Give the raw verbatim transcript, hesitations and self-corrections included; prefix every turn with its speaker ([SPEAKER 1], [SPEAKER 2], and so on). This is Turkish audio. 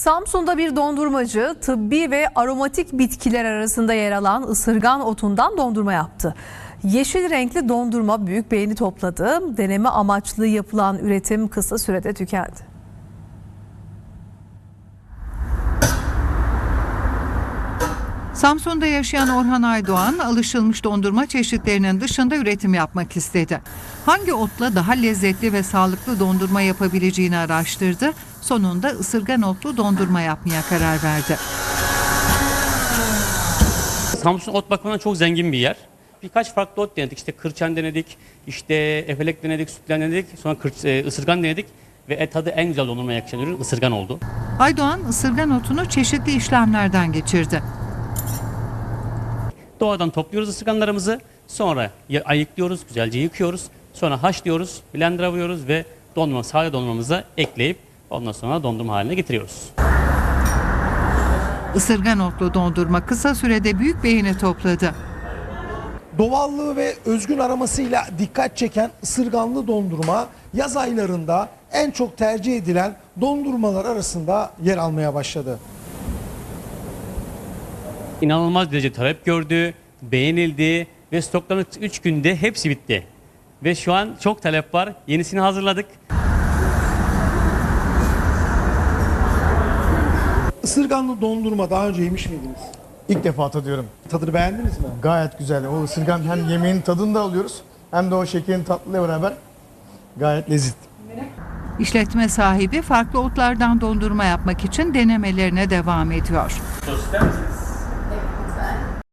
[SPEAKER 1] Samsun'da bir dondurmacı tıbbi ve aromatik bitkiler arasında yer alan ısırgan otundan dondurma yaptı. Yeşil renkli dondurma büyük beğeni topladı. Deneme amaçlı yapılan üretim kısa sürede tükendi.
[SPEAKER 2] Samsun'da yaşayan Orhan Aydoğan, alışılmış dondurma çeşitlerinin dışında üretim yapmak istedi. Hangi otla daha lezzetli ve sağlıklı dondurma yapabileceğini araştırdı. Sonunda ısırgan otlu dondurma yapmaya karar verdi.
[SPEAKER 3] Samsun ot bakımından çok zengin bir yer. Birkaç farklı ot denedik. İşte kırçan denedik, işte efelek denedik, sütlen denedik, sonra kırç, e, ısırgan denedik ve et tadı en güzel dondurmaya yakışan ürün ısırgan oldu.
[SPEAKER 2] Aydoğan, ısırgan otunu çeşitli işlemlerden geçirdi.
[SPEAKER 3] Doğadan topluyoruz ısırganlarımızı, sonra ayıklıyoruz, güzelce yıkıyoruz, sonra haşlıyoruz, blender'a vuruyoruz ve dondurma, sade dondurmamıza ekleyip ondan sonra dondurma haline getiriyoruz.
[SPEAKER 2] Isırgan otlu dondurma kısa sürede büyük beğeni topladı.
[SPEAKER 4] Doğallığı ve özgün aromasıyla dikkat çeken ısırganlı dondurma yaz aylarında en çok tercih edilen dondurmalar arasında yer almaya başladı.
[SPEAKER 3] İnanılmaz derece talep gördü, beğenildi ve stokların üç günde hepsi bitti. Ve şu an çok talep var, yenisini hazırladık.
[SPEAKER 4] Isırganlı dondurma daha önce yemiş miydiniz?
[SPEAKER 5] İlk defa tadıyorum.
[SPEAKER 4] Tadını beğendiniz mi?
[SPEAKER 5] Gayet güzel. O ısırgan hem yemeğin tadını da alıyoruz hem de o şekerin tatlıyla beraber gayet lezzetli.
[SPEAKER 2] İşletme sahibi farklı otlardan dondurma yapmak için denemelerine devam ediyor.
[SPEAKER 3] Sos ister misin?